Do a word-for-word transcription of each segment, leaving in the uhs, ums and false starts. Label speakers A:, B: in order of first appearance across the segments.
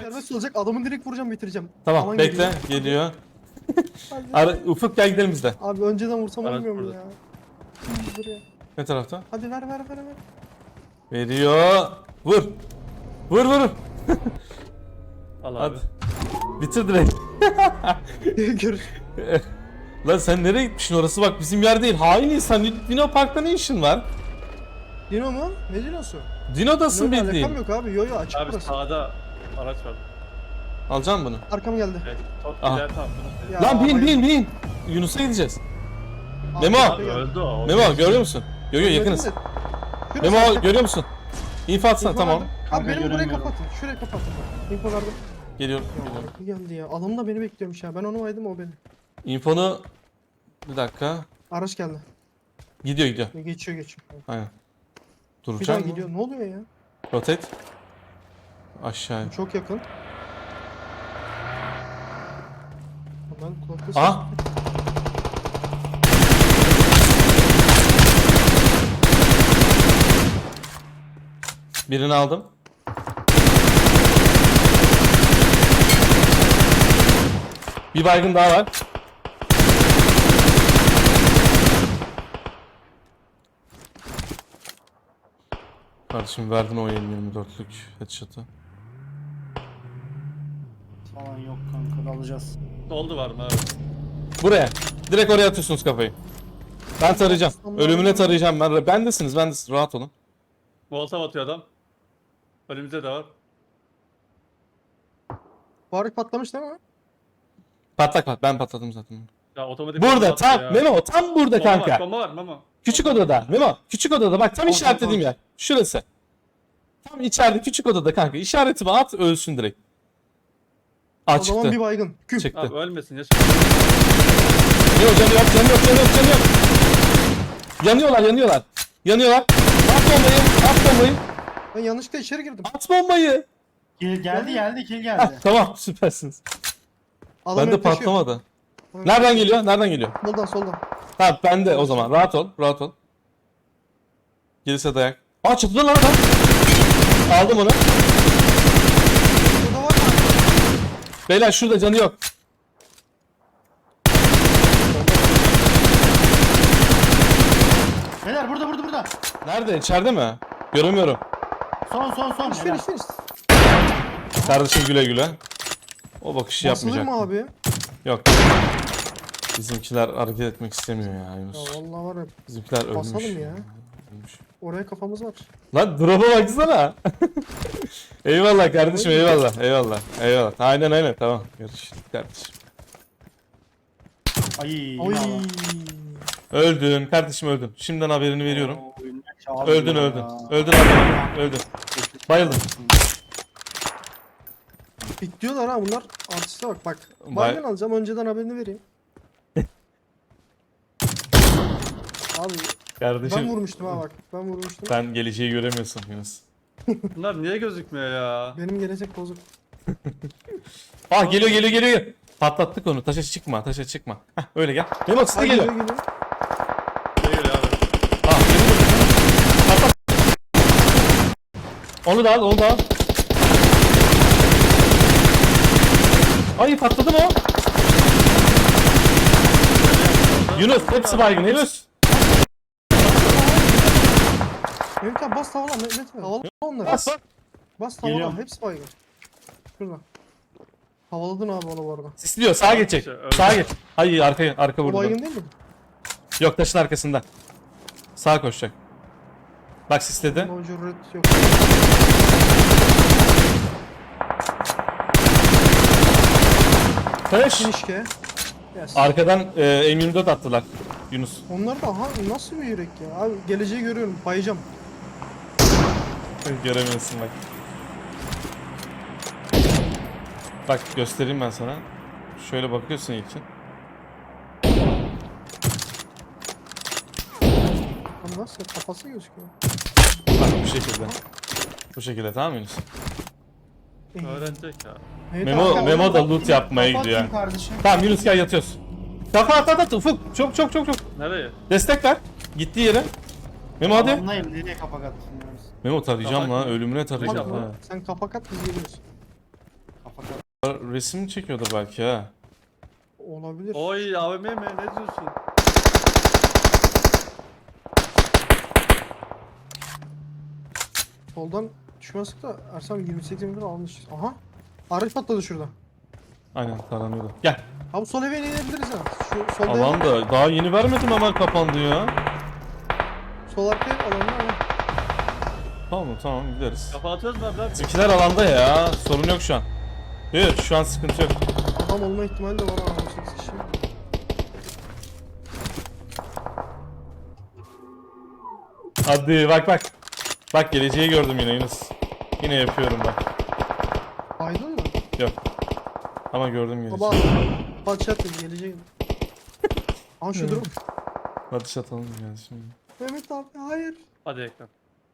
A: Serbest olacak, adamı direkt vuracağım, bitireceğim.
B: Tamam
A: Alan
B: bekle
A: geliyor.
B: geliyor.
A: Hadi.
B: Ara, Ufuk gel gidelim biz de.
A: Abi önceden vursam
C: Araç
A: olmuyor mu
C: burada.
A: ya? Şimdi buraya.
B: Ne tarafta?
A: Hadi ver ver ver ver.
B: Veriyor. Vur. Vur vur.
C: Al abi.
B: Hadi. Bitir direkt.
A: Görüş.
B: Lan sen nereye gitmişsin, orası bak bizim yer değil. Hain insan. Dino Park'ta ne işin var?
A: Dino mu? Ne Dino'su?
B: Dino'dasın
A: Dino'yla
B: bildiğin.
A: alakam yok abi. Yo yo açık
C: Abi
A: burası.
C: sağda araç var.
B: Alacağım bunu.
A: Arkam geldi.
C: Evet. Top
B: Aha.
C: gider tamam.
A: Ya,
B: Lan bin
A: bayıldım.
B: bin bin. Yunus'a gideceğiz.
A: Abi,
B: Memo.
A: arkaya
C: Abi
A: geldi.
C: öldü o.
B: Memo görüyor musun? Yo yo yakınız.
A: Şurası
B: Memo
A: arkaya-
B: görüyor musun? İnfo atsana
A: İnfo
B: tamam.
A: verdim. Abi
D: Kanka,
A: benim burayı
D: göremiyorum.
A: kapatın. Şurayı kapatın. İnfo verdim.
B: Geliyorum.
A: Ya
B: geliyorum.
A: arka geldi ya. Adam da beni bekliyormuş ya. Ben onu vaydım, o beni.
B: İnfonu bir dakika.
A: Araç geldi.
B: Gidiyor gidiyor.
A: Geçiyor geçiyor.
B: Aynen.
A: Bir daha
B: Duracağım mı?
A: gidiyor. Ne oluyor ya?
B: Rotate. Aşağı.
A: Çok yakın. Ben kulaklığı
B: Aha. Birini aldım. Bir baygın daha var. Kardeşim verdin o yirmi dörtlük headshot'ı.
D: Falan yok kanka, alacağız.
C: Doldu var mı abi?
B: Buraya. Direkt oraya atıyorsunuz kafayı. Ben tarayacağım. Ölümüne tarayacağım ben. Bendesiniz, bendesiniz. Rahat olun.
C: Volta atıyor adam. Önümüzde de var.
A: Faruk patlamış değil mi?
B: Patlak pat. Ben patladım zaten.
C: Ya otomatik bomba
B: Burada
C: attı
B: tam
C: ya.
B: Memo tam burada
C: Bomba var,
B: kanka.
C: bomba var Memo.
B: Küçük odada Memo. Küçük odada bak tam
A: Tamam,
B: işaretlediğim
A: tamam.
B: yer. Şurası. Tam içeride küçük odada kanka. İşaretimi at ölsün direkt. Aa
A: O zaman
B: çıktı.
A: bir baygın. Küm.
B: Çıktı.
C: Abi ölmesin ya.
B: Yok canı yok canı yok canı yok canı yok. Yanıyorlar yanıyorlar. Yanıyorlar. At bombayı. At bombayı.
A: Ben yanlışlıkla içeri girdim.
B: At bombayı.
D: Kill geldi geldi kill
B: Hah,
D: geldi.
B: tamam süpersiniz.
A: Adam
B: Bende
A: yaklaşıyor.
B: patlamadı. Nereden geliyor? Nereden geliyor?
A: Soldan soldan.
B: Ha bende o zaman. Rahat ol. Rahat ol. Gelirse dayak. Aa çatıda lan adam. Aldım onu.
A: Burada var mı?
B: Beyler şurada canı yok.
D: Beyler burada burada burada.
B: Nerede? İçeride mi? Göremiyorum.
D: Son son son.
A: Finish
D: Helal.
A: finish finish.
B: Kardeşim güle güle. O bakışı
A: Basılır
B: yapmayacak.
A: mı abi?
B: Yok. Bizimkiler hareket etmek istemiyor ya
A: Ya
B: Yunus.
A: vallahi var ya.
B: Bizimkiler ölmüş.
A: Basalım ya.
B: Ölmüş.
A: Oraya kafamız var.
B: Lan drop'a baksana. Eyvallah kardeşim eyvallah eyvallah eyvallah. Aynen aynen tamam. Görüşürüz kardeşim.
D: Ay.
A: Oy.
D: Allah.
B: Öldün kardeşim öldün. Şimdiden haberini veriyorum.
D: Oy, ne çaldı
B: Öldün
D: ya.
B: öldün. Öldün abi. Öldün. Bayıldım.
A: Bitliyorlar ha bunlar. Artiste bak bak.
B: Bay-
A: Baygın alacağım, önceden haberini vereyim. Abi ben
B: Kardeşim
A: vurmuştum ha bak. Ben vurmuştum.
B: sen geleceği göremiyorsun Yunus.
C: Bunlar niye gözükmüyor ya?
A: Benim gelecek bozuk.
B: Ah geliyor geliyor geliyor. Patlattık onu. Taşa çıkma taşa çıkma. Heh, öyle gel. Memo size
A: Ay,
B: geliyor.
A: geliyor, geliyor.
C: Ne geliyor abi?
B: Ah geliyor. Patlat. Onu da al onu da al. Ay patladı mı o? Yunus hepsi baygın Yunus.
A: Mehmet abi bas tavala Mehmet abi. Havala onları.
B: Bas.
A: Bas tavala,
D: Geliyorum.
A: hepsi baygın. Şurada. Havaladın abi onu bu arada.
B: Sisliyor sağa geçecek. Sağa geç. Hayır arkaya arka
A: O
B: vurdu.
A: baygın değil mi?
B: Yok taşın arkasında. Sağa koşacak. Bak sisledi.
A: O cüret yok.
B: Taş.
A: Finişke. Yes.
B: Arkadan e, M yirmi dört attılar. Yunus.
A: Onlar da aha nasıl bir yürek ya. Abi geleceği görüyorum. Bayacağım.
B: Göremiyorsun bak. Bak göstereyim ben sana. Şöyle bakıyorsun ilkin.
A: Ama nasıl kafası gözüküyor.
B: Bak bu şekilde. Bu şekilde tamam mı Yunus?
C: Öğrenecek ya.
A: Evet,
B: Memo,
A: abi,
B: Memo da loot yapmaya
D: Kapat
B: gidiyor.
D: kardeşim.
B: Tamam Yunus gel yatıyoruz. Kafa at at at Ufuk. Çok çok çok çok.
C: Nereye?
B: Destek ver. Gittiği yere. Memo hadi.
D: Anlayayım nereye kapak attın.
B: Memo tarayacağım
C: Kapak
B: lan.
C: mı?
B: Ölümüne tarayacağım
A: Tamam,
B: ha.
A: sen kafa kat biz geliyoruz.
B: Resim çekiyordur belki ha.
A: Olabilir.
C: Oy A V M mi? Ne diyorsun?
A: Soldan düşmezsek da Ersem yirmi sekiz metre almış. Aha. Araç patladı şurada.
B: Aynen taranıyordu. Gel.
A: Ha bu sol eve inebiliriz ha. Şu solda
B: Alan da daha yeni vermedim hemen kapandı ya.
A: sol arkaya alanda ama.
B: Tamam tamam gideriz.
C: Kafa atıyoruz mu abi? lan?
B: Bizimkiler alanda ya. Sorun yok şu an. Evet şu an sıkıntı yok.
A: Adam olma ihtimali de var ha. on sekiz kişi.
B: Hadi bak bak. Bak geleceği gördüm yine Yunus. Yine yapıyorum bak.
A: Aydın mı?
B: Yok. Ama gördüm geleceği.
A: Baba. Batşat dedi geleceğim. Aha şu durum.
B: Hadi şatalım yani şimdi.
A: Mehmet abi hayır.
C: Hadi ekran.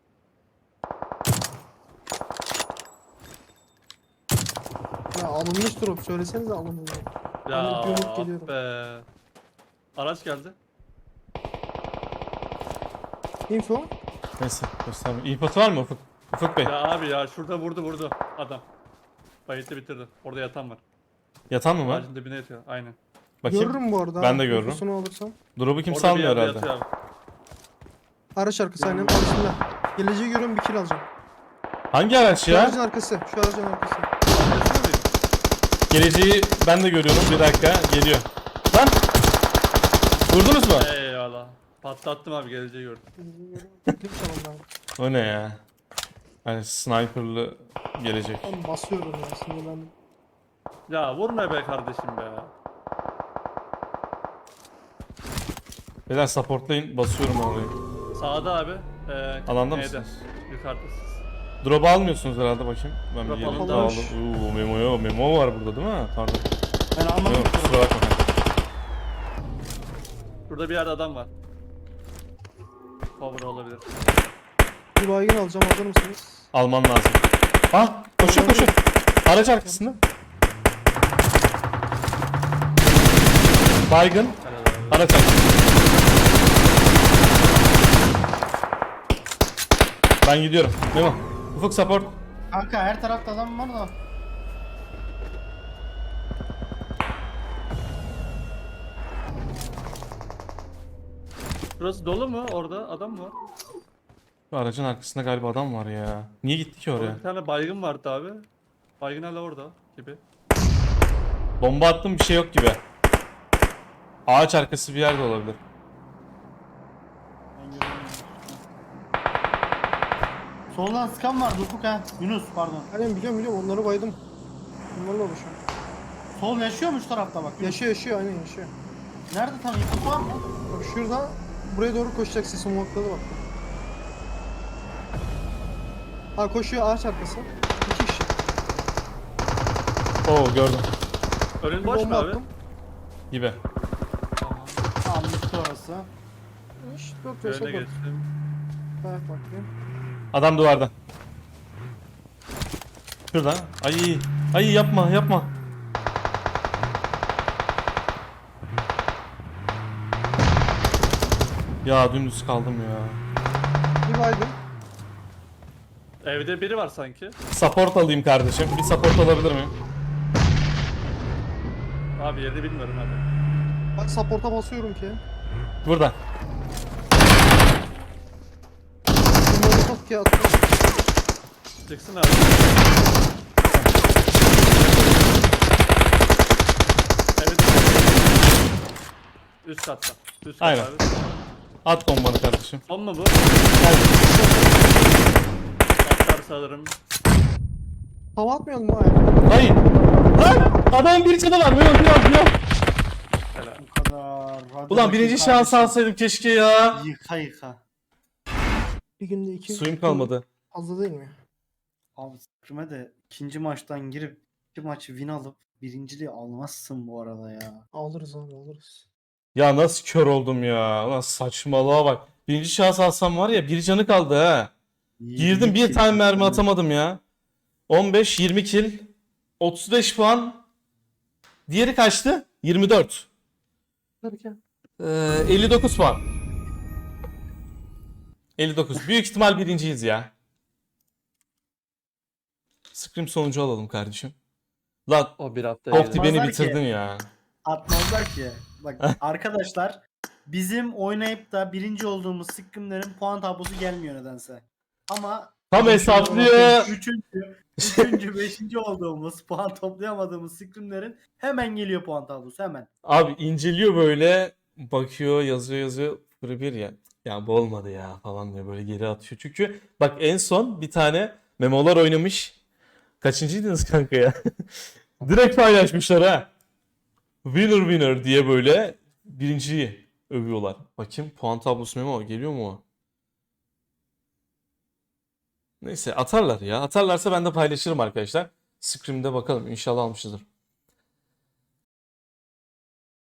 A: Ya alınmış drop söylesenize alınmış.
C: Ya
A: Ben hep yumruk geliyorum.
C: be. Araç geldi.
A: Info.
B: Neyse gösterme. İyi patı var mı Ufuk? Ufuk Bey.
C: Ya abi ya şurada vurdu vurdu adam. Bayıtı bitirdi. Orada yatan var.
B: Yatan mı var?
C: Ağacın dibine yatıyor. Aynen.
B: Bakayım.
A: Görürüm bu arada.
B: Ben de
A: ha,
B: görürüm.
A: infosunu alırsam.
B: Drop'u kim
C: Orada bir
B: salmıyor
C: yerde
B: herhalde.
C: yatıyor abi.
A: Araç arkası aynen arasında. Geleceği görüyorum bir kill alacağım.
B: Hangi araç
A: Şu
B: ya?
A: aracın arkası. Şu aracın arkası.
C: Yaşıyor muyum?
B: Geleceği ben de görüyorum. Bir dakika geliyor. Lan! Vurdunuz mu?
C: Eyvallah. Patlattım abi geleceği gördüm.
A: Klip çalalım abi.
B: O ne ya? Hani sniperlı gelecek.
A: Ben basıyorum ya sinirlendim.
C: Ya vurma be kardeşim be.
B: Beyler supportlayın. Basıyorum orayı.
C: Sağda abi. Ee,
B: Alanda
C: neydi?
B: mısınız?
C: Yukarıdasınız.
B: Drop'u almıyorsunuz herhalde bakayım. Ben bir
C: Drop
B: geleyim.
C: alındı.
B: Aldım. Uuu memo yok. Memo var burada değil mi? Pardon.
D: Ben almadım.
B: Yok kusura bakma.
C: Burada bir yerde adam var. Cover olabilir.
A: Bir baygın alacağım hazır mısınız?
B: Alman lazım. Ah koşuyor koşuyor. Araç arkasında. Baygın.
C: Helal abi.
B: Araç arkasında. Ben gidiyorum. Memo. Ufuk support.
D: Kanka her tarafta adam var da.
C: Burası dolu mu? Orada adam mı var?
B: Şu aracın arkasında galiba adam var ya. Niye gitti ki
C: Orada
B: oraya?
C: bir tane baygın vardı abi. Baygın hala orada gibi.
B: Bomba attım bir şey yok gibi. Ağaç arkası bir yerde olabilir.
D: Ben göremiyorum. Soldan sıkan vardı Ufuk ha. Yunus pardon.
A: Aynen biliyorum biliyorum onları baydım. Onlarla uğraşıyorum.
D: Sol yaşıyor mu şu tarafta bak. Yunus.
A: Yaşıyor yaşıyor aynen yaşıyor.
D: Nerede tam info var mı?
A: Bak şurada buraya doğru koşacak sesi muhakkaklı bak. Ha koşuyor ağaç arkası. İki kişi.
B: Oo gördüm.
C: Önün
A: Bir
C: boş mu
A: bomba
C: abi?
A: attım.
B: Gibi.
D: Tamam bitti orası.
A: İşte dört ve
C: Önüne
A: sokak.
C: geçtim.
A: Evet bakayım.
B: Adam duvarda. Şurada. Ay. Ay yapma yapma. Ya dümdüz kaldım ya.
A: Bir baygın.
C: Evde biri var sanki.
B: Support alayım kardeşim. Bir support alabilir miyim?
C: Abi yerini bilmiyorum abi.
A: Bak support'a basıyorum ki.
B: Burada.
A: Bir molotof ki attım.
C: Çıksın abi. Evet. Üst katta. Üst kat
B: Aynen.
C: abi.
B: At bombanı kardeşim.
C: Son mu bu?
B: Gel.
C: Atlar sanırım.
A: Hava atmayalım mı ayağa?
B: Hayır. Lan! Adamın bir canı var. Yok yok yok.
C: Helal.
D: Bu kadar. Hadi
B: Ulan
D: bakayım
B: birinci şans
D: kardeşim.
B: alsaydım keşke ya.
D: Yıka yıka.
A: Bir günde iki.
B: Suyum kalmadı.
A: Fazla değil mi?
D: Abi sıkırma de ikinci maçtan girip iki maçı win alıp birinciliği almazsın bu arada ya.
A: Alırız abi alırız.
B: Ya nasıl kör oldum ya. Ulan saçmalığa bak. Birinci şans alsam var ya bir canı kaldı ha. Girdim bir tane mermi atamadım ya. on beş yirmi kill. otuz beş puan. Diğeri kaçtı? yirmi dört.
A: Derken.
B: Ee, elli dokuz puan. elli dokuz. Büyük ihtimal birinciyiz ya. Scrim sonucu alalım kardeşim. Lan
C: O bir hafta
B: Topti
C: yedi.
B: beni
D: Atmazlar ki.
B: bitirdin ya.
D: Atmazlar ki. Bak arkadaşlar bizim oynayıp da birinci olduğumuz scrimlerin puan tablosu gelmiyor nedense. Ama
B: Tam
D: şöyle
B: hesaplıyor.
D: bakıyorum, Üçüncü, üçüncü, beşinci olduğumuz puan toplayamadığımız scrimlerin hemen geliyor puan tablosu hemen.
B: Abi inceliyor böyle. Bakıyor yazıyor yazıyor. Böyle bir ya. Ya bu olmadı ya falan diyor böyle geri atıyor. Çünkü bak en son bir tane memolar oynamış. Kaçıncıydınız kanka ya? Direkt paylaşmışlar ha. Winner winner diye böyle birinciyi övüyorlar. Bakayım puan tablosu memo geliyor mu o? Neyse atarlar ya. Atarlarsa ben de paylaşırım arkadaşlar. Scrim'de bakalım inşallah almışızdır.